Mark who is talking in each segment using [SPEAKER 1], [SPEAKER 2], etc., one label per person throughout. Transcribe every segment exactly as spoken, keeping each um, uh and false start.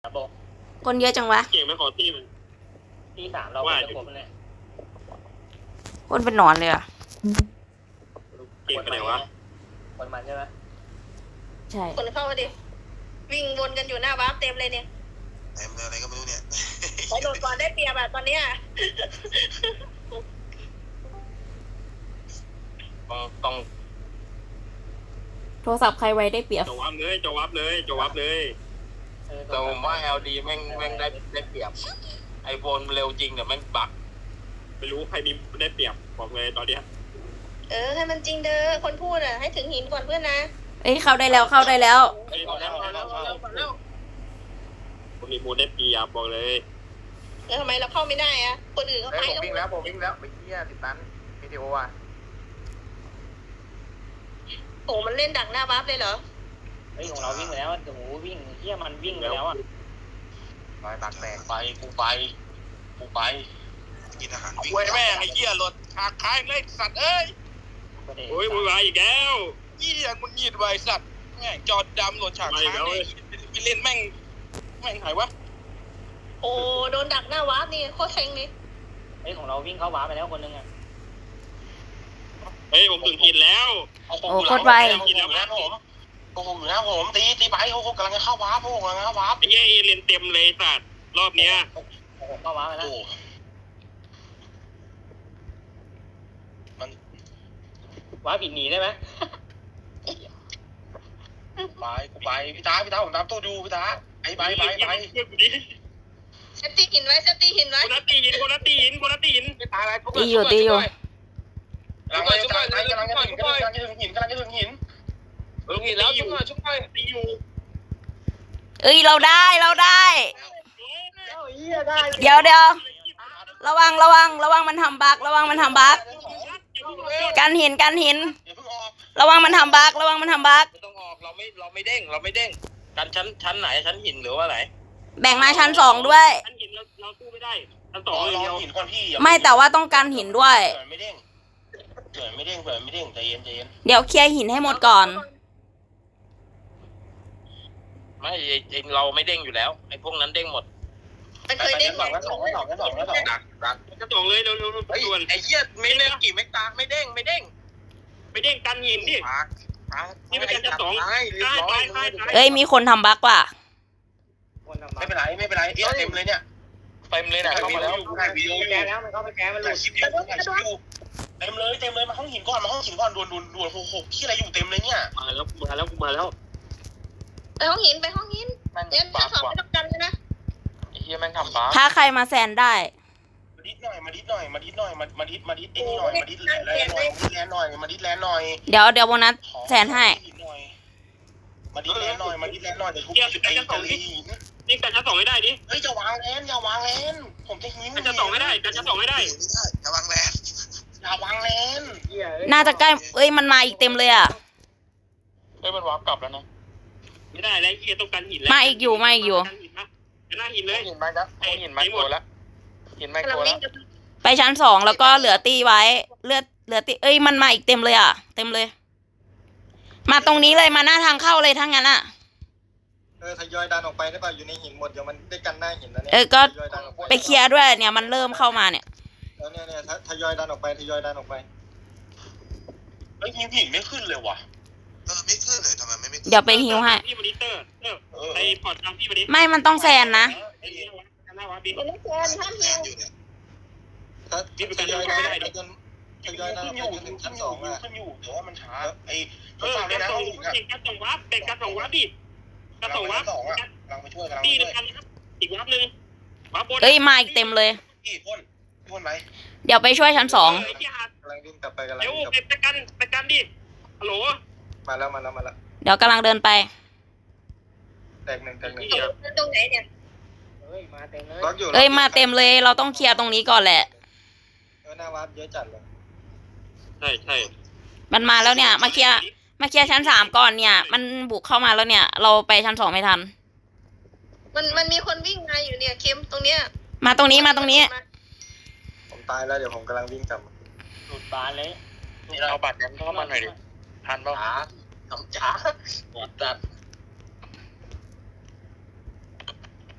[SPEAKER 1] ครับบอก
[SPEAKER 2] คนเยอะจังวะ
[SPEAKER 3] เก่งไม่ขอที่มัน
[SPEAKER 1] ที่สามเราจะครบเลย
[SPEAKER 2] คนเป็นหนอนเลยอ่ะ
[SPEAKER 3] เก่งไปไหนวะ
[SPEAKER 1] คนมันใช่ไหม
[SPEAKER 2] ใช่
[SPEAKER 4] คนเข้ามาดิวิ่งวนกันอยู่หน้าบ้านเต็มเลยเนี่ย
[SPEAKER 5] เต็มเลยอะไรก็ไม่รู้เนี่ย
[SPEAKER 4] ไปโดดก่อนได้เปรียบแบบตอนเนี้ย
[SPEAKER 3] ต้องต้อง
[SPEAKER 2] โทรศัพท์ใครไว้ได้เปรียบ
[SPEAKER 3] จวับเลยจวับเลยจวับเลย
[SPEAKER 1] แต่ผมว่า แอล ดี แม่งแม่งได้ได้เปรียบไอโฟนเร็วจริงแต่แม่งบั๊ก
[SPEAKER 3] ไม่รู้ใครมีได้เปรียบบอกเลยตอนเนี้ย
[SPEAKER 4] เออให้มันจริงเด้อคนพูดอ่ะให้ถึงหินก่อนเพื่อนนะ
[SPEAKER 2] เอ้ยเข้าได้แล้วเข้าได้แล้ว
[SPEAKER 3] เฮ้ยแล้วแล้วแล้วแล้วผมมีมูลได้เปรียบบอกเลย
[SPEAKER 4] เออทำไมเราเข้าไม่ได้อ่ะคนอื่นเขาไป
[SPEAKER 6] ผมวิ่งแล้วผมวิ่งแล้วไปเที่ยติดตันวิดีโออ่ะ
[SPEAKER 4] โอ้มันเล่นดักหน้าบ้านเลยเหรอ
[SPEAKER 1] เฮ้ยของเราวิ่งแล้วโอ้โหวิ่งเที่ยมันวิ่งไปแล้วอ่ะ
[SPEAKER 6] รอยปากแตก
[SPEAKER 1] ไปกูไปกูไป
[SPEAKER 5] กินอาหารวิ่ง
[SPEAKER 3] เว้ยแม่ไอ้เหี้ยรถหักท้ายเลยสัตว์เอ้ยโอ้ยวุ่นวายอีกแล้วเหี้ยมึงหยิดไว้สัตว์แม่งจอดดำรถฉากท้ายไปเล่นแม่งแม่งหายวะ
[SPEAKER 4] โอ้โดนดักหน้าบ้านนี่โคตรเซ็งเลย
[SPEAKER 1] เฮ้ยของเราวิ่งเข้าวาร์ปไปแล้วคนนึงอ่ะ
[SPEAKER 3] เฮ้ยผมถึงหินแล้ว
[SPEAKER 2] โอ้โคตรไว
[SPEAKER 3] หินแล้วนะผม
[SPEAKER 6] โอ้โหอยู่นะผมตีตีไปโอ้โหกำลังจะเข้าวาร์ปโอ้โหกำลังจะเข้าวาร์ป
[SPEAKER 3] ไอ้เหี้ยเรียนเต็มเลยสัตว์รอบเนี้ย
[SPEAKER 1] เข้าวาร์ปไปแล้ว
[SPEAKER 6] มัน
[SPEAKER 1] วาร์ปผิดหนีได้ไหม
[SPEAKER 6] ไปกูไปพี่ตาพี่ตาผมตามตู้ดูพี่ตาไปไปไปไป
[SPEAKER 4] เซฟตี้หินไว้เซฟตี้หินไว้
[SPEAKER 3] คนละตีหินคนละตีหินคนละตีหิน
[SPEAKER 6] พี่ตาอะไร
[SPEAKER 2] ตีอยู่ตีอยู่
[SPEAKER 6] กำลังจะกำลังจะถึงกำลังจะถึงหินกำลังจะถึงหิน
[SPEAKER 3] ถึงหินแล้วชุบหน่อยชุบหน่อยตีอยู่
[SPEAKER 2] เอ้ยเราได้เราได้เดี๋ยวเดี๋ยวระวังระวังระวังมันทำบั๊กระวังมันทำบั๊กกันหินกันหินระวังมันทำบั๊กระวังมันทำบั๊ก
[SPEAKER 3] ไม่ต้องออกเราไม่เราไม่เด้งเราไม่เด้งกันชั้นชั้นไหนชั้นหินหรือว่าไหน
[SPEAKER 2] แบ่งมาชั้นสองด้วย
[SPEAKER 3] ชั้นหินเราเราสู้ไม่ได้ชั้นสองเลยเดียว
[SPEAKER 6] หินก่อนพี่
[SPEAKER 2] ไม่แต่ว่าต้องกันหินด้วย
[SPEAKER 6] เผื่อไม่เด้งเผื่อไม่เด้งเผื่อไม่เด้งใจเย็นใจเย็น
[SPEAKER 2] เดี๋ยวเคลียร์หินให้หมดก่อน
[SPEAKER 3] ไม่ไอเราไม่เด้งอยู่แล้วไอพวกนั้นเด้งหมด
[SPEAKER 4] ไม่เคยเด้ง
[SPEAKER 6] สองแล้วสองแล้วสองแล้วสองแล้วสองดักดัก
[SPEAKER 3] จะสองเลยเร็วเร็วเร็วด่วนไอเหี้ยไม่เด้งกี่ไม่ตาไม่เด้งไม่เด้งไม่เด้งกันหินดินี่เป็นการจะสองตายตายตายตาย
[SPEAKER 2] เอ้ยมีคนทำบั๊กว่ะ
[SPEAKER 6] ไม่เป็นไรไม่เป็นไรเอ๊ะเต็มเลยเนี่ย
[SPEAKER 3] เต็มเลยนะเข้ามาแล้ว
[SPEAKER 6] ถ่ายวิดีโอ
[SPEAKER 1] แกแล้วมันเข้าไปแกมันหลุด
[SPEAKER 6] คลิปอยู่ถ่ายคลิปอยู่เต็มเลยเต็มเลยมาห้องหินก่อนมาห้องหินก่อนด่วนด่วนด่วนโอ้โหที่อะไรอยู่เต็มเลยเนี่ย
[SPEAKER 3] มาแล้วมาแล้วมาแล้ว
[SPEAKER 4] ไปห้องหินไปห้องหินเดี๋ยวชั้นสองไม่ต้องกันเลยนะ
[SPEAKER 3] ไอ้เหี้ยแม่งทำบ้า
[SPEAKER 2] ถ้าใครมาแซนได้
[SPEAKER 6] มาดิดหน่อยมาดิดหน่อยมาดิดหน่อยมามาดิดมาดิดไอ้นี่หน่อยมาดิดแลนหน่อยมาดิดแลนหน่อยมาดิดแลนหน่อย
[SPEAKER 2] เดี๋ยวเดี๋ยวโบนัสแซนให้
[SPEAKER 6] มาดิดแลนหน่อยมาดิดแลนหน่อยเดี๋ยวทุบไอ้ตะลี
[SPEAKER 3] นี่กันจะส่งให้ได้ดิ
[SPEAKER 6] เฮ้ยอย่าวางแลนอย่าวางแลนผมจะหิ้ว
[SPEAKER 3] กันจะส่งให้ได้กันจะส่งให้ได้
[SPEAKER 5] อย่าวางแลน
[SPEAKER 6] อย่าวางแลน
[SPEAKER 2] น่าจะใกล้เอ้ยมันมาอีกเต็มเลยอ่ะ
[SPEAKER 3] เฮ้ยมันวาร์ปกลับแล้วนะไม่ได้แล้วเฮียต้องการหินแล้ว
[SPEAKER 2] มาอีกอยู่มาอีกอยู่
[SPEAKER 3] หน้าหินเลย
[SPEAKER 6] หินมาแล้วหินมาโกแล้วหินมาโกแล้ว
[SPEAKER 2] ไปชั้นสองแล้วก็เหลือตีไว้เลือดเหลือตีเอ้ยมันมาอีกเต็มเลยอ่ะเต็มเลยมาตรงนี้เลยมาหน้าทางเข้าเลยทั้งนั้นอ่ะ
[SPEAKER 6] เออทยอยดันออกไปได้ป่ะอยู่ในหินหมดเดี๋ยวมันได้กันหน้าหินแล้วเนี่ย
[SPEAKER 2] เออก็ไปเคลียร์ด้วยเนี่ยมันเริ่มเข้ามาเนี่ย
[SPEAKER 6] แล้วเนี่ยเนี่ยทยอยดันออกไปทยอยดันออกไปเฮ้ยหินหินไม่ขึ้นเลยว่ะ
[SPEAKER 5] เออไม่ขึ้นเลยทำไมไม่ไม่
[SPEAKER 2] เดี๋ยวไปฮิวให้
[SPEAKER 3] พี่มอนิเตอร์ไอพอร์ตทางพี่มอนิ
[SPEAKER 2] ไม่มันต้องแซนนะ
[SPEAKER 3] ไอ้นี่หน้าวาร์ปดิ
[SPEAKER 4] ไม่แซนห้ามฮิว
[SPEAKER 6] ถ้าทยอยดันไปจนทยอยดันไปจนถึงชั้นสองอ่ะขึ้นอยู่แต่ว่ามันช้าไอ้
[SPEAKER 3] เออการส่งการส่งวาร์ปเป็นการส่งวาร์ปดิการส่งวาร์ป
[SPEAKER 6] สองอ่ะกำลังไปช่วยกำลัง
[SPEAKER 3] ตีนึงกันอีกวาร์ปนึงวาร์ปบน
[SPEAKER 2] เอ้ยมาอีกเต็มเลย
[SPEAKER 6] กี่พ่นพ่นไหม
[SPEAKER 2] เดี๋ยวไปช่วยชั้นสอง
[SPEAKER 6] กำลังวิ่งกลับไปกำลัง
[SPEAKER 3] เดี๋ยวไปกันไปกันดิฮัลโหล
[SPEAKER 6] มาแล้วมาแล้วมาแล้ว
[SPEAKER 2] เดี๋ยวกำลังเดินไป
[SPEAKER 6] แตกหนึ่งแตกหนึ่ง
[SPEAKER 4] ตรงไหนเนี่ย
[SPEAKER 1] เฮ้ยมาเต็มเลย
[SPEAKER 2] เอ้ยมาเต็มเลยเราต้องเคลียร์ตรงนี้ก่อนแหละ
[SPEAKER 6] เออหน้าวาร์ปเยอะจัดเลย
[SPEAKER 3] ใช่ใช่
[SPEAKER 2] มันมาแล้วเนี่ยมาเคลียร์มาเคลียร์ชั้นสามก่อนเนี่ยมันบุกเข้ามาแล้วเนี่ยเราไปชั้นสองไม่ทัน
[SPEAKER 4] มันมันมีคนวิ่งมาอยู่เนี่ยเข็มตรงเนี้ย
[SPEAKER 2] มาตรงนี้มาตรงนี้
[SPEAKER 6] ผมตายแล้วเดี๋ยวผมกำลังวิ่งกลับ
[SPEAKER 1] หลุดบานเลย
[SPEAKER 3] นี่เราบัตรนั้นเข้ามาหน่อยดิทันป่ะ
[SPEAKER 6] ทำจ้าจัด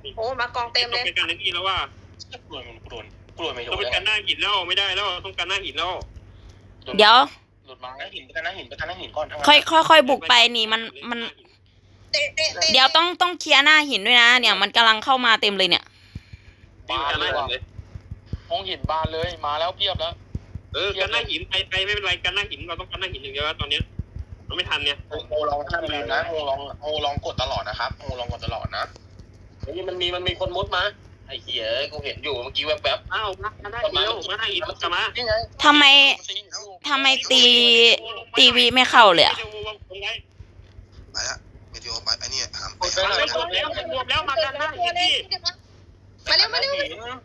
[SPEAKER 4] โอ้มากองเต็ม
[SPEAKER 3] ต้
[SPEAKER 4] เล
[SPEAKER 3] อง
[SPEAKER 4] ย
[SPEAKER 3] ไปกันในนี่แล้วว่าก
[SPEAKER 6] ลัวมันกลัวกลัวไม่โด
[SPEAKER 3] ต้อง
[SPEAKER 6] น
[SPEAKER 3] ไปกันหน้าหินแล้วไม่ได้แล้วต้องกันหน้าหินแล้ว
[SPEAKER 2] เดี๋ยว
[SPEAKER 6] หลุดมาหน้าหินไปกันหน้าหินไปกันหน้าหินก่อนทั้ง
[SPEAKER 2] ค่อยค่อยค่อยบุกไปนี่มันมัน
[SPEAKER 4] เตะเตะเตะ
[SPEAKER 2] เดี๋ยวต้องต้องเคลียร์หน้าหินด้วยนะ เนี่ยมันกำลังเข้ามาเต็มเลยเนี่ย
[SPEAKER 3] บานเลย
[SPEAKER 6] ห้องหินบานเลยมาแล้วเพียบแล้ว
[SPEAKER 3] เออกันหน้าหินไปไปไม่เป็นไรกันหน้าหินเราต้องกันหน้าหินอย่างเดียวตอนเนี้ยเราไม่ทันเนี่ย
[SPEAKER 6] โมลองห้ามลืมนะโมลองโมลองกดตลอดนะครับโมลองกดตลอดนะ
[SPEAKER 1] นี่มันมีมันมีคนมุดมาไอ้เหี้ยกูเห็นอยู่เมื่อกี้แวบ
[SPEAKER 3] อ้าวมากันหน้าหินแล้วมาหน้าหินกลับมา
[SPEAKER 6] นี่ไง
[SPEAKER 2] ทำไมทำไมตีตีวีไม่เข้าเลยอะ
[SPEAKER 5] ไปละเมทีโอไปไอ้นี่หามไป
[SPEAKER 3] รวมแล้วรวมแล้วมากันหน้าหินดิ
[SPEAKER 4] มาเร็วมาเร็ว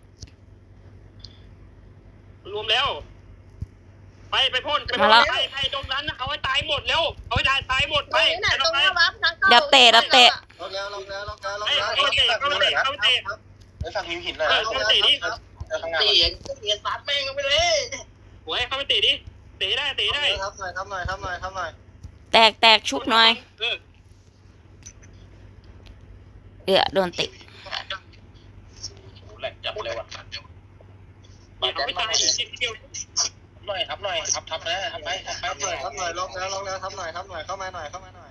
[SPEAKER 3] รวมแล้วไปไปพ่นไปไปไปตรงนั้นเอาไว้ตายหมดแล้วเอาไว้ตายตายหมด
[SPEAKER 4] ไป
[SPEAKER 3] ไป
[SPEAKER 4] ไหนตรงหน้าวับทางเข้า
[SPEAKER 2] เดี๋ยวเตะเดี๋ยวเตะ
[SPEAKER 6] ลงแล้วลงแล้วลงแล้วลง
[SPEAKER 3] ไอ้
[SPEAKER 6] แล้ว
[SPEAKER 3] เขาเตะเขาเตะเขาเตะ
[SPEAKER 6] ไอ้ฝั่งหินหินนะข้างห
[SPEAKER 1] ๆ
[SPEAKER 6] น้า
[SPEAKER 1] ตีเองตีซัดแม่งไปเลย
[SPEAKER 3] หัวให้เขาไปเตะดิเตะได้เตะได้
[SPEAKER 6] ครับหน่อยครับหน่อยครับหน่อยครับหน่อย
[SPEAKER 2] แตกแตกชุบหน่อย
[SPEAKER 3] เออ
[SPEAKER 2] เออโดนเตะ
[SPEAKER 1] แหลกจับเลยว่ะ
[SPEAKER 3] เอาไม่ตายอีกเดียว
[SPEAKER 6] หน่อยครับหน่อยครับทับนะทับไปทับไปหน่อยครับหน่อยลงแล้วลงแล้วทับหน่อยทับหน่อยเข้ามาหน่อยเข้ามาหน่อย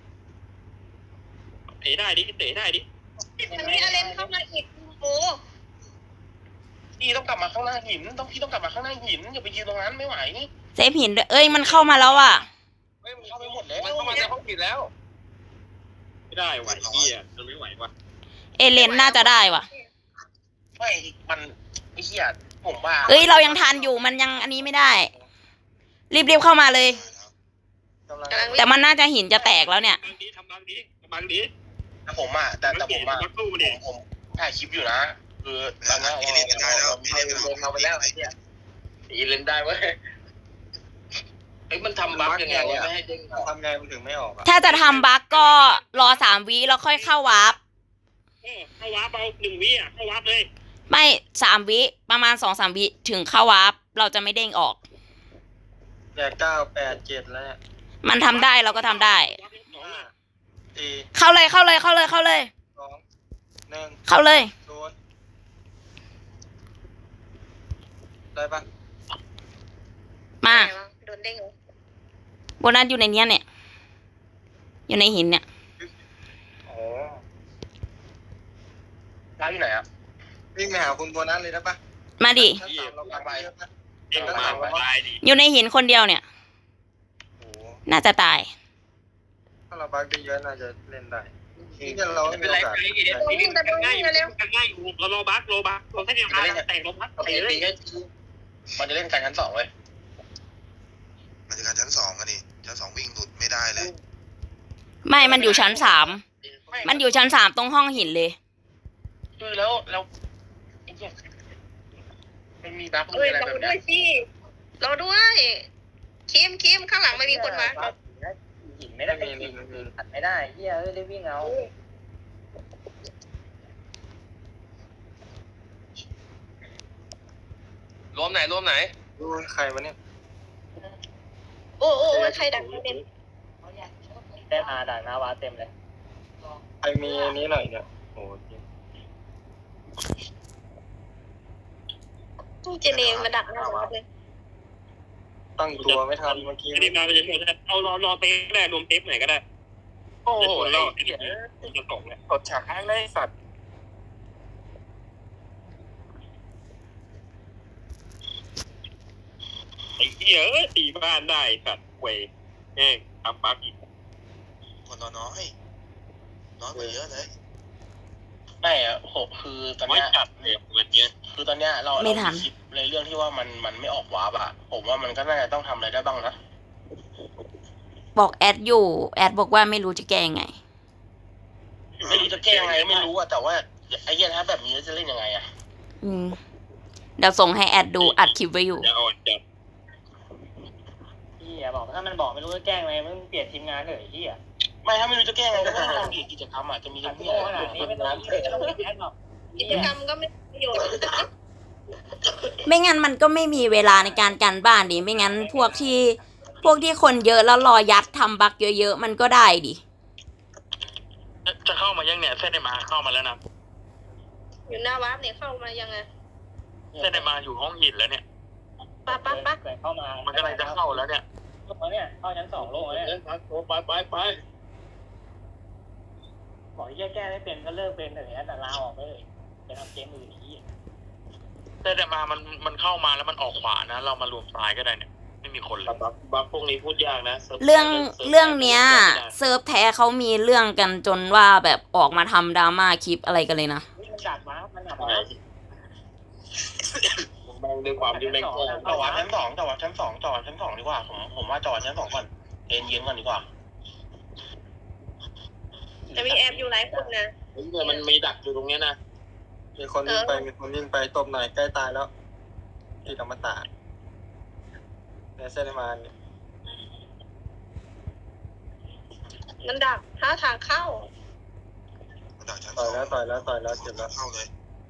[SPEAKER 3] เตะได้ดิเตะได้ดิ
[SPEAKER 4] มันมีอะไรเข้ามาอีกโอ้
[SPEAKER 6] พี่ต้องกลับมาข้างหน้าหินต้องพี่ต้องกลับมาข้างหน้าหินอย่าไปยืนตรงนั้นไม่ไหวนี่
[SPEAKER 2] เซฟหินด้วยเอ้ยมันเข้ามาแล้วอ่ะ
[SPEAKER 6] เฮ้ยมันเข้าไปหมดแล้ว
[SPEAKER 1] มันเข้ามาในห้องผิดแล้ว
[SPEAKER 3] ไม่ได้ไหวเฮียมันไม่ไหวว่ะ
[SPEAKER 2] เอเลนน่าจะได้ว่ะ
[SPEAKER 6] ไม่มันไอ้เหี้ยผมว่า
[SPEAKER 2] เอ้ยเรายังทันอยู่มันยังอันนี้ไม่ได้ รีบๆเข้ามาเลย
[SPEAKER 4] กำลัง
[SPEAKER 2] แต่มันน่าจะหินจะแตกแล้วเนี่ย
[SPEAKER 3] บางดีทำบางดีบางดี
[SPEAKER 6] แต่ผมอ่ะแต่แต่ผมอ่ะ
[SPEAKER 3] มาตู้
[SPEAKER 6] ผม
[SPEAKER 3] ดิ
[SPEAKER 6] ผมถ่ายคลิปอยู่นะคือตอนนี้
[SPEAKER 5] เอเลียนกันได้แล้วเอเลียนกันเอาไปแล้วไอ้เนี่ย
[SPEAKER 1] อีเลนได้เว้ยเฮ้ยมันทำบั๊กยังไงวะไม่ให้เด้ง
[SPEAKER 6] ทำไงมันถึงไม่ออกอ่ะ
[SPEAKER 2] ถ้าจะทำบั๊กก็รอสามวิแล้วค่อยเข้าวาร์ป
[SPEAKER 3] เออเข้าวาร์ปเอาหนึ่งวิอ่ะเข้าวาร์ปเลย
[SPEAKER 2] ไม่สามวิประมาณสองสามวิถึงเข้าวาร์ปเราจะไม่เด้งออก
[SPEAKER 6] แปดเก้าแปดเจ็ดแล้วเนี่ย
[SPEAKER 2] มันทำได้เราก็ทำได้
[SPEAKER 6] สี่
[SPEAKER 2] เข้าเลยเข้าเลยเข้าเลยเข้าเลย
[SPEAKER 6] สองหนึ่ง
[SPEAKER 2] เข้าเลย
[SPEAKER 6] ศูนย์ได้ปะ
[SPEAKER 2] มา
[SPEAKER 4] โดนเด้ง
[SPEAKER 2] โบนัสอยู่ในเนี้ยเนี่ย อยู่ในหินเนี่ย
[SPEAKER 6] โอ้ร้านอยู่ไหนอ่ะวิ่งไปหาคุณโบนัสเลยได้ปะ
[SPEAKER 2] มาดิ
[SPEAKER 6] ชั้นสามเราปักไปเยอะนะ
[SPEAKER 3] เอ็งมาตายดิ
[SPEAKER 2] อยู่ในหินคนเดียวเนี่ย
[SPEAKER 6] โอ้
[SPEAKER 2] น่าจะตาย
[SPEAKER 6] ถ้าเราบักได้เยอะน่าจะเล่นได้นี่เราไม่
[SPEAKER 3] เป็
[SPEAKER 6] มี
[SPEAKER 3] นไร
[SPEAKER 6] โอกาส
[SPEAKER 3] ไอ้เอ็งนี่กันง่ายกันง่ายเราโลบักโลบักเราแค่เดียวกันแต่โลบัก
[SPEAKER 1] ตี
[SPEAKER 3] เตะเลย
[SPEAKER 1] ตีให้
[SPEAKER 6] มันจะเล่นกันชั้นสองเว้ย
[SPEAKER 5] มันจะการชั้นสองกันดิชั้นสองวิ่งหลุดไม่ได้เลย
[SPEAKER 2] ไม่มันอยู่ชั้นสามมันอยู่ชั้นสามตรงห้องหินเลย
[SPEAKER 6] คือแล้วแล้วไอ้เหี้ยมันมีบัก
[SPEAKER 4] เอ้ย
[SPEAKER 6] อะไร
[SPEAKER 4] รอ
[SPEAKER 6] แบบ
[SPEAKER 4] ด้
[SPEAKER 6] เนี้
[SPEAKER 4] วย ยสิรอด้วยคิมคิมข้างหลังไม่มีคนมา
[SPEAKER 6] หินไม่ได้ไม่มีอัดไม่ได้เหี้ยเอ้ยได้วิ่งเอา
[SPEAKER 1] รวมไหนรวมไหน
[SPEAKER 6] ดูใครวะเนี่ย
[SPEAKER 4] โอ้โอ้ใครดังเต็ม
[SPEAKER 6] เต้นอาด่างนาวาเต็มเลยใครมีอันนี้หน่อยเนี่ยโอ้ย
[SPEAKER 4] เจเนมมาดักหน้าเลย
[SPEAKER 6] ตั้งตัวไม่ทันเมื่อกี้
[SPEAKER 3] อันนี้มาเป็นยังไงเอารอรอเตะก็ได้รวมเตะไหนก็ได้
[SPEAKER 1] โอ้โห
[SPEAKER 3] เรา
[SPEAKER 1] ไอ้เหี้ย
[SPEAKER 3] จะตกแล้ว
[SPEAKER 6] กดฉากให้เลยสัตว์
[SPEAKER 3] ไอ้เหี้ยตีบ้านได้สัตว์เว้ยแม่งทำบักอีก
[SPEAKER 5] คนน้อยน้อยน้อยกว่าเยอะเลย
[SPEAKER 6] ไม่อะโหคือตอน
[SPEAKER 3] ไม่
[SPEAKER 6] เนี้ย
[SPEAKER 3] จัดเลยวันนี้
[SPEAKER 6] คือตอนเนี้ยเรา
[SPEAKER 2] ไม่ทัน
[SPEAKER 6] เราคิดในเรื่องที่ว่ามันมันไม่ออกวาร์ปอะผมว่ามันก็น่าจะต้องทำอะไรได้บ้างนะ
[SPEAKER 2] บอกแอดอยู่ แอดบอกว่าไม่รู้จะแก้ยังไง
[SPEAKER 6] ไม่รู้จะแก้ยังไงไม่รู้อะแต่ว่าไอ้เหี้ยถ้าแบบนี้จะเล่นยังไงอะ
[SPEAKER 2] อืมเดี๋ยวส่งให้แอดดูอัดคลิปไว้อยู่
[SPEAKER 3] จะอ่อนจัด
[SPEAKER 7] พี่อย่าบอกถ้ามันบอกไม่รู้จะแกล้งไงมึงเปลี่ยนทีมงานเถอะไอ้เหี้ย
[SPEAKER 6] ไม่ถ้าไม่รู้จะแก้ยังไงก็ต้องทำกิจกรรมอะจะมี
[SPEAKER 7] ขั
[SPEAKER 6] ทำ
[SPEAKER 7] ด
[SPEAKER 6] ที่
[SPEAKER 7] โง่
[SPEAKER 6] อะไร
[SPEAKER 7] ขนาดนี้ไม่ต้องไม่ต้องแอดหรอก
[SPEAKER 4] กิจกรรมก็ไม่ประโยชน์
[SPEAKER 2] ไม่งั้นมันก็ไม่มีเวลาในการกันบ้านดิ ไม่งั้นพวกที่พวกที่คนเยอะแล้วรอยัดทำบักเยอะๆมันก็ได้ดิ
[SPEAKER 3] จะเข้ามายังเนี่ยเส้นได้มาเข้ามาแล้วนะ
[SPEAKER 4] อยู่หน้าวาร์ปเนี่ยเข้ามายังไง
[SPEAKER 3] เส้นมาอยู่ห้องหินแล้วเนี่ย
[SPEAKER 4] ปะปะปะ
[SPEAKER 7] เกิดเข้ามา
[SPEAKER 3] มันกำลังจะเข้าแล้วเนี่ย
[SPEAKER 7] ลงแล้วเนี่ยเข้าชั้นสองลงแล้วเนี่ย
[SPEAKER 3] ไปไปไป
[SPEAKER 7] บอกแยกแก้ไม่เป็นก็เลิกเป็นเลยนะแต่ลาออกไปเลยไปทำเกมอื่นอีก
[SPEAKER 3] เส้นมามันมันเข้ามาแล้วมันออกขวานะเรามารวมซ้ายก็ได้เนี่ยไม่มีคนเลย
[SPEAKER 1] บัฟบัฟพวกนี้พูดยากนะ
[SPEAKER 2] เรื่องเรื่องเนี้ยเซิร์ฟแท้เขามีเรื่องกันจนว่าแบบออกมาทำดราม่าคลิปอะไรกันเลยนะ
[SPEAKER 7] นี่มันดักมามันดักมา
[SPEAKER 1] แม่งด้วยความที่แม่งแกล้ง
[SPEAKER 6] จอดชั้นสองจอดชั้นสองจอดชั้นสองดีกว่าผมผมว่าจอดชั้นสองก่อนเย็นเย็นก่อนดีกว่า
[SPEAKER 4] จะมีแอบอยู่หลายคนนะ
[SPEAKER 1] เฮ้ยมันมีดักอยู่ตรงเนี้ยนะ
[SPEAKER 6] มีคนวิ่งไปมีคนวิ่งไปตบหน่อยใกล้ตายแล้วที่ธรรมศาสตร์ในเส้นมาเนี่ย
[SPEAKER 4] มันดักหาทางเข้า
[SPEAKER 5] มันดักชั้นส
[SPEAKER 6] ต่
[SPEAKER 5] อ
[SPEAKER 6] อย
[SPEAKER 5] ง
[SPEAKER 6] แล้วต่อยแล้วต่อยแล้วเจ็บแล้ว
[SPEAKER 5] เข้าเลย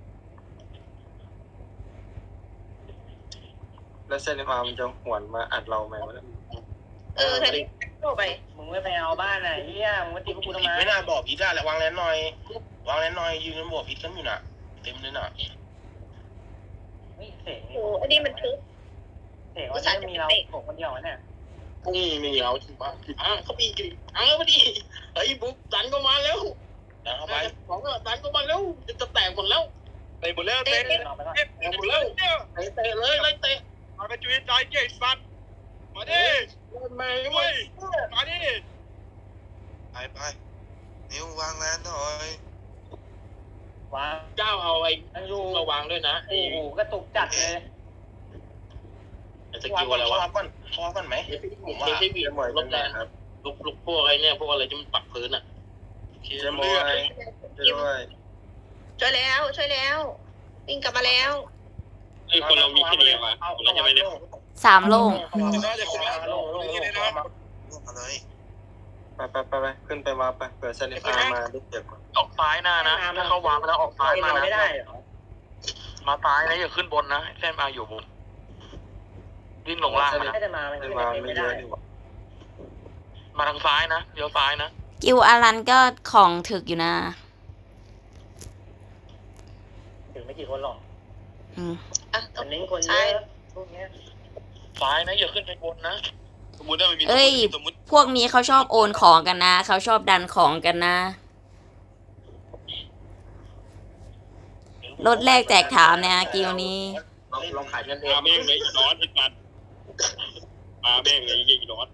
[SPEAKER 6] แล้วเส้นมามันจะหวนมาอัดเราไหมวะเนี่ย
[SPEAKER 4] เออแทนที่เข้าไป
[SPEAKER 7] มึงไม่ไปเอาบ้านไหนเฮียมึงมาตีพวกกูทำไม
[SPEAKER 6] ไม่น่าบอกพีทได้แหละวางแลนหน่อยวางแลนหน่อยยืนกันบอกพีทกันอยู่น่ะเต็มเลยน่ะ
[SPEAKER 7] เฮ้ยเสียง
[SPEAKER 4] โอ้อันนี้มันทึบ
[SPEAKER 7] เสียงว่าจะมีเราผมคนเดียวเนี่ย
[SPEAKER 1] นี่มีเอาที่บ้านอ่ะเขามีกินอ่ะมาดิเฮ้ยบุ๊กดันก็มาแล้ว
[SPEAKER 6] ดันเข้าไป
[SPEAKER 1] ของอ่ะดันก็มาแล้วจะแตกหมดแล้ว
[SPEAKER 3] ไปหมดแล้วเต้
[SPEAKER 7] เอาไปก่อน
[SPEAKER 3] เต้หมดแล้วเนี่ย
[SPEAKER 1] เตะเตะเลยเลยเตะ
[SPEAKER 3] มาไปจุยใจเจ๊สัตว์มาดิ
[SPEAKER 1] มา
[SPEAKER 3] เว้ยมาดิ
[SPEAKER 5] ไปไปนิ้ววางแลนหน่อย
[SPEAKER 7] วาง
[SPEAKER 1] เจ้าเอาไอ้
[SPEAKER 7] ยังอยู่
[SPEAKER 1] มาวางด้วยนะไอ้
[SPEAKER 7] โอ้โหกระตุกจัดเลย
[SPEAKER 1] ส
[SPEAKER 6] วาง
[SPEAKER 1] กิล
[SPEAKER 6] ก่อน
[SPEAKER 1] อะไร
[SPEAKER 6] วาว
[SPEAKER 1] ะ
[SPEAKER 6] งก่อนวางก่อนไหม
[SPEAKER 1] ผมว่าที่มีรถแรงครับลุกลุกพวกอะไรเนี่ยพวกอะไรที่มันปักพื้นอ่ะ
[SPEAKER 6] เจมอยด้วย
[SPEAKER 4] ช่วยแล้วช่วยแล้ววิ่งกลับมาแล้ว
[SPEAKER 1] ไอ้คนเรามีแค่นี้วะเราจะไปเนี่ย
[SPEAKER 2] สามโล่ง
[SPEAKER 3] น่าจะขึ้นมาลงลงนี่เลยนะ
[SPEAKER 5] ลูกมาเลย
[SPEAKER 6] ไปไปไปไปขึ้นไปมาไปเผื่อเส้นมามาได้เจ็บก่อน
[SPEAKER 3] ออกซ้ายหน้านะถ้าเขาวางไปแล้วออกซ้ายมา
[SPEAKER 7] เรา
[SPEAKER 3] นะ
[SPEAKER 7] ไม่ได้เหรอ
[SPEAKER 3] มาซ้ายนะอย่าขึ้นบนนะเส้นมาอยู่บนวิ่งลงล่างนะ
[SPEAKER 7] ไม่จะมามัน
[SPEAKER 6] เส้น
[SPEAKER 7] ขึ้น
[SPEAKER 6] มา
[SPEAKER 7] ไป
[SPEAKER 6] ไม่
[SPEAKER 7] ไม่
[SPEAKER 6] เย
[SPEAKER 7] ได้
[SPEAKER 6] อะดีกว่า
[SPEAKER 3] มาทางซ้ายนะเลี้ยวซ้ายนะ
[SPEAKER 2] กิวอารันก็ของถึกอยู่นะ
[SPEAKER 7] ถึงไม่กี่คนหรอก
[SPEAKER 2] อืม
[SPEAKER 4] อ่ะ
[SPEAKER 7] มันเน้นคนเยอะพวกเนี้ย
[SPEAKER 3] ซ้ายนะอย่าขึ้นไปบนนะ
[SPEAKER 1] สมมติว่ามันมี
[SPEAKER 2] เอ้ย
[SPEAKER 1] สมมติ
[SPEAKER 2] พวกนี้เขาชอบโอนของกันนะ เขาชอบดันของกันนะ รถแรกแจกถามเนี่ยกิวนี้
[SPEAKER 1] ลองขายกันเอง
[SPEAKER 3] มาแม่งเลยอีร้อนอีสัตว์มาแม่งเลยอีร้อน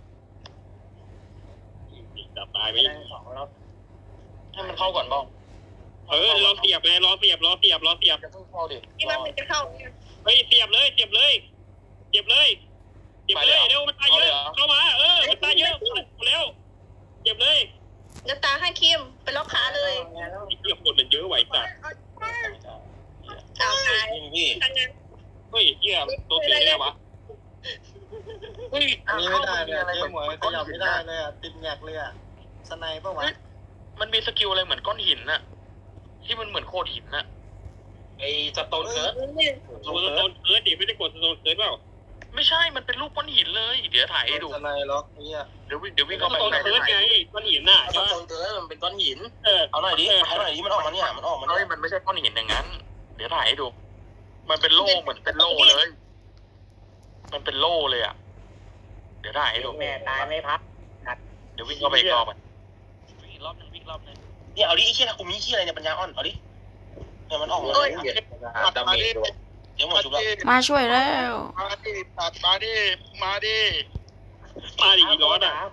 [SPEAKER 3] จับตายไหม
[SPEAKER 7] นั่งสองแล้ว
[SPEAKER 3] ให้มันเข้าก่อนบ้างเออรอเสียบเลยรอเสียบรอเสียบรอเสียบจะเพิ่งเข้าดิ
[SPEAKER 4] ที่ว่ามันจะเข้าเนี่ย
[SPEAKER 3] เฮ้ยเสียบเลยเสียบเลยเสียบเลยเสียบเลยเร็วมันตายเยอะเข้ามาเออมันตายเยอะแล้วเสียบเลย
[SPEAKER 4] น้ำตาให้คิมไปล็อกขาเลย
[SPEAKER 3] ไอ้เหี้ยคนมันเยอะไหวสัตว์
[SPEAKER 4] อ้าวตาย
[SPEAKER 6] พี่
[SPEAKER 4] ทางนั้น
[SPEAKER 3] เฮ้ยเหี้ยตัวเสียได้วะเฮ้ย
[SPEAKER 6] อันนี้ไม่ได้เลยเจ๊หมวยขยับไม่ได้เลยอ่ะติดแงกเลยอ่ะสไนปะวะ
[SPEAKER 3] มันมีสกิลอะไรเหมือนก้อนหินน่ะที่มันเหมือนโคดหินน่ะ
[SPEAKER 1] ไอ้สโตนเคิร์ด
[SPEAKER 3] สโตนเคิร์ดดิไม่ได้กดสโตนเคิร์ดเปล่าไม่ใช่มันเป็นรูปก้อนหินเลยเดี๋ยวถ่ายให้ดู
[SPEAKER 6] สไนล็อกเนี่ย
[SPEAKER 3] เดี๋ยววิ่งเดี๋ยววิ่งเข้าไปสโตนเคิร์ดไงก้อนหินน่ะ
[SPEAKER 1] สโตนเคิร์ดมันเป็นก้อนหิน
[SPEAKER 3] เออ
[SPEAKER 6] เอาหน่อยดิเอาหน่อยดิมันออกมาเนี่ยมันออกมา
[SPEAKER 3] เฮ้
[SPEAKER 6] เนี่ย ย
[SPEAKER 3] มันไม่ใช่ก้อนหินอย่างนั้น เดี๋ยวถ่ายให้ดู มันเป็นโล่เหมือนเป็นโล่เลย มันเป็นโล่เลยอ่ะเดี๋ยวถ่ายให้ดู
[SPEAKER 7] แม่ตายไม่พัก
[SPEAKER 3] เดี๋ยววิ่งเข้าไปอีกรอบอ่ะวิ่งอีกรอบนึงวิ่งรอบนึง
[SPEAKER 6] เนี่ยเอาดิไอ้เหี้ยถ้ากูมีเหี้ยอะไรเนี่ยปัญญาอ่อนเอาดิเนี่ยมันออกมา
[SPEAKER 1] โอ้ยดาเมจด้วย
[SPEAKER 6] เดี๋ยวหมดชุบแล้ว
[SPEAKER 2] มาช่วยแล้ว
[SPEAKER 3] มาดิตัดมาดิมาดิมาดิอีกร้อนอ่ะ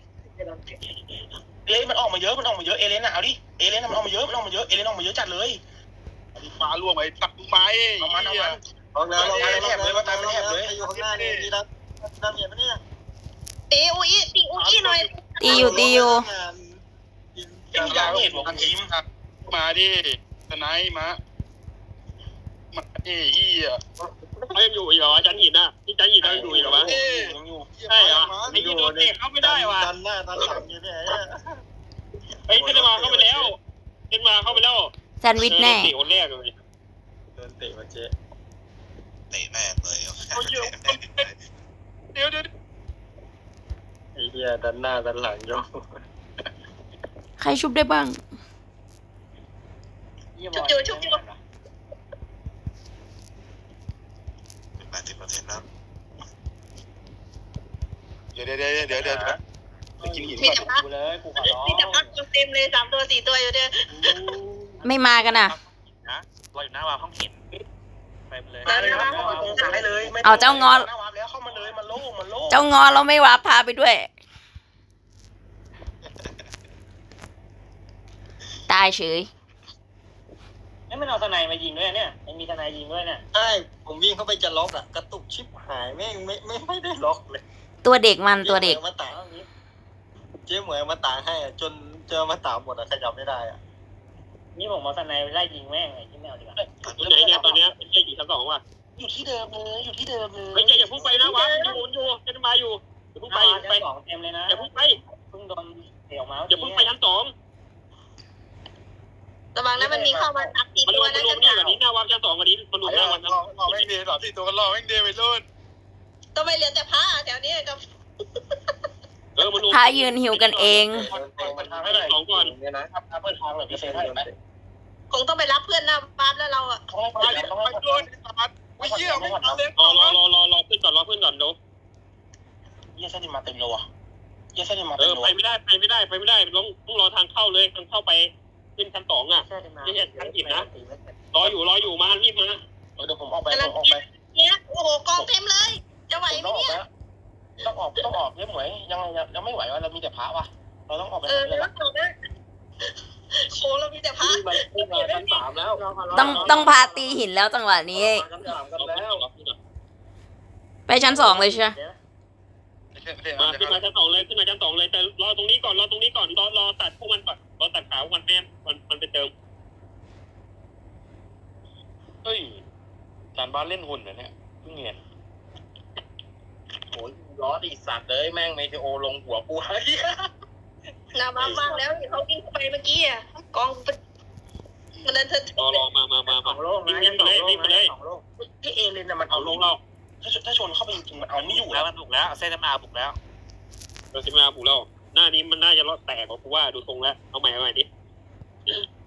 [SPEAKER 6] เอ้ยมันออกมาเยอะมันออกมาเยอะเอเลนอ่ะเอาดิเอเลนมันออกมาเยอะมันออกมาเยอะเอเลนออกมาเยอะจัดเลย
[SPEAKER 3] มาล่วงไปตักไม้
[SPEAKER 6] เอามันเอามันออกแล้วออกแล้วแทบเลยว่าตายเป็นแทบเลยอยู่ข้างหน้านี่นี่รับน้ำเย็นปะเนี่ย
[SPEAKER 4] ตีอุ้ยตีอุ้ยหน่อย
[SPEAKER 2] ตีอยู่ตีอยู่
[SPEAKER 6] ยังยาวเห็นบอกคุณยิ้ม
[SPEAKER 3] มาดิสไนมามาดิอีอ่ะเขายังอยู่อีกเหรอจันหินอ่ะที่จันหินยังอยู่อีกเหรอวะ
[SPEAKER 6] ยังอยู่
[SPEAKER 3] ใช่เหรอไอ้ที่โดนเตะเข้าไม่ได้ว่ะ
[SPEAKER 6] ดันหน้าดันหลังอยู่เนี่ย
[SPEAKER 3] เฮ้ยเซนมาเข้าไปแล้วเซนมาเข้าไปแล้ว
[SPEAKER 2] แซนด์วิชแน่
[SPEAKER 3] เตะคนแรกเลย
[SPEAKER 6] โดนเตะมาเจ๊
[SPEAKER 5] เตะแม่งเลย
[SPEAKER 3] เดี๋ยวเดี๋ยว
[SPEAKER 6] ไอ้เหี้ยดันหน้าดันหลังโย
[SPEAKER 2] ใครชุบได้บ้าง
[SPEAKER 1] ม
[SPEAKER 4] ชุบอยู่ชุบอยู่
[SPEAKER 5] เป็นแปดสิบเปอร์เซ็นต์แล้ว
[SPEAKER 3] เดี๋ยวเดี๋ยวเดี๋ยวเดี๋ยวเดี๋ยวไปกินหิน
[SPEAKER 4] มี
[SPEAKER 3] ก่อน
[SPEAKER 4] แต่พัก
[SPEAKER 7] กูเลยกูขอร้อง
[SPEAKER 4] มีแต่พักเต็มเลยสามตัวสี่ตัวอยู่เนี่ย
[SPEAKER 2] ไม่มากันอ่ะ
[SPEAKER 3] นะเราอยู่หน้าวาห้องหินไปเลย
[SPEAKER 4] มาเลยนะ
[SPEAKER 3] ซ้ายเลย
[SPEAKER 2] เอาเจ้างอน
[SPEAKER 3] หน้าวาแล้วเข้ามาเลยมันโล่งมันโล่ง
[SPEAKER 2] เจ้างอเราไม่วาพาไปด้วย ตายเฉย
[SPEAKER 7] นี่มันเอาทนายมายิงด้วยเนี่ยมันมีทนายยิงด้วยเนี่ย
[SPEAKER 6] ใช่ผมวิ่งเข้าไปจะล็อกอะกระตุกชิบหายแม่งไม่ไม่ไม่ได้ล็อกเลย
[SPEAKER 2] ตัวเด็กมันตัวเด็ก
[SPEAKER 6] จ๊หมยมาตากเจ๊หมวยเอามาตากให้อะจนเจอมาตากหมดอะขยับไม่ได้อะ
[SPEAKER 7] นี่ผมเอาทนายไปไล่ยิงแม่งไอ้ที่แมวดีกว่า
[SPEAKER 3] อยู่ไหนเนี่ยตอนเนี้ยเจ๊อยู่ชั้นสองว่ะอยู่ที่เดิมเลยอยู่ที่เดิมเลยเจ๊อย่าพุ่งไปนะวะอยู่อยู่เจ๊มาอยู่อย่าพุ่งไป
[SPEAKER 7] ไป
[SPEAKER 3] ไป
[SPEAKER 7] สองเต็มเลยนะ
[SPEAKER 3] อย่าพุ่งไป
[SPEAKER 7] เพิ่งโดนเตะออกมา
[SPEAKER 3] อย่าพุ่งไปชั้นสอง
[SPEAKER 4] ระวังนะมันมีเข้ามาทับสี่
[SPEAKER 3] มันร
[SPEAKER 4] ตัว
[SPEAKER 3] วมมัน
[SPEAKER 4] นะ
[SPEAKER 3] รว
[SPEAKER 4] กั
[SPEAKER 3] ม
[SPEAKER 4] น
[SPEAKER 3] นี่แบบนี้หน้าวาชั้นสองกันนี้มันรวมหน้าวันนะ
[SPEAKER 6] รอแม่งดีสามสี่ตัวกันรอแม่งดีไปรุ่น
[SPEAKER 4] ต้องไปเหลือแต่ผ้าแถวนี้กับ
[SPEAKER 3] เออมันรวม
[SPEAKER 2] พายืนหิวกันเอง
[SPEAKER 3] เปิดทางให้หน่อยสองก่อน
[SPEAKER 6] เนี่ยนะ
[SPEAKER 3] เปิดทางหน่อยพี่เซนให้ไหม
[SPEAKER 4] คงต้องไปรับเพื่อนหน้าบ้านแล้วเราอ่ะ
[SPEAKER 3] ไปเลยไปโดนตัดไปเยี่ยมไม่ทันเลยรอรอรอรอรอเพื่อนก่อนรอเพื่อนก่อนเดี๋ยวเยี่ยเส้นมาเต็มเลยว่ะเยี่ยเส้นมาเต็มเลยเออไปไม่ได้ไปไม่ได้ไปไม่ได้ต้องต้องรอทางเข้าเลยทางเข้าไปขึ้นชั้นสองอ่ะนี่เนี่ยชั้นหินนะรออยู่รออยู่มารีบมาเดี๋ยวผมออกไปผมออกไป
[SPEAKER 4] เนี่ยโอ้โหกองเต็มเลย จะไหวไหมเนี่ย
[SPEAKER 3] ต้องออกต้องออกเนี่ยหมวยยังยังไม่ไหวว่าเรามีแต่พระว่ะเราต้องออกไป
[SPEAKER 4] เออแล้วจบนะโอ้เรามีแต่ผ้า
[SPEAKER 3] มันขึ้นมาชั้นสามแล้ว
[SPEAKER 2] ต้องต้องพาตีหินแล้วจังหวะนี้
[SPEAKER 3] ชั้นสามกันแล้ว
[SPEAKER 2] ไปชั้นสองเลยใช่ไหม
[SPEAKER 3] มาขึ้นมาชั้นสองเลยขึ้นมาชั้นสองเลยแต่รอตรงนี้ก่อนรอตรงนี้ก่อนรอรอตัดพวกมันก่อนรอตัดขาพวกมันแม่มันมันไปเติมเฮ้ยจานบ้านเล่นหุ่นเหรอเนี่ยเพิ่งเห็นโอ้ยล้อดีสัตว์เลยแม่งเมทีโอลงหัวกูเฮ้ย
[SPEAKER 4] หน้าบ้านว่างแล้วเขาวิ่งไปเมื่อกี้อ่ะกองมันเดินเถิด
[SPEAKER 3] รอรอมามามามาวิ่งวิ่งไปเลยวิ่งไปเลยที่เอเลนน่ะมันเอาลงเราถ้าถ้าชนเข้าไปจริงๆมันเอาไม่อยู่แล้วมันบุกแล้วเส้นน้ำอาบุกแล้วเส้นน้ำอาบุกแล้วหน้านี้มันน่าจะรอดแตกกว่ากูว่าดูทรงแล้วเอาใหม่เอาใหม่ดิ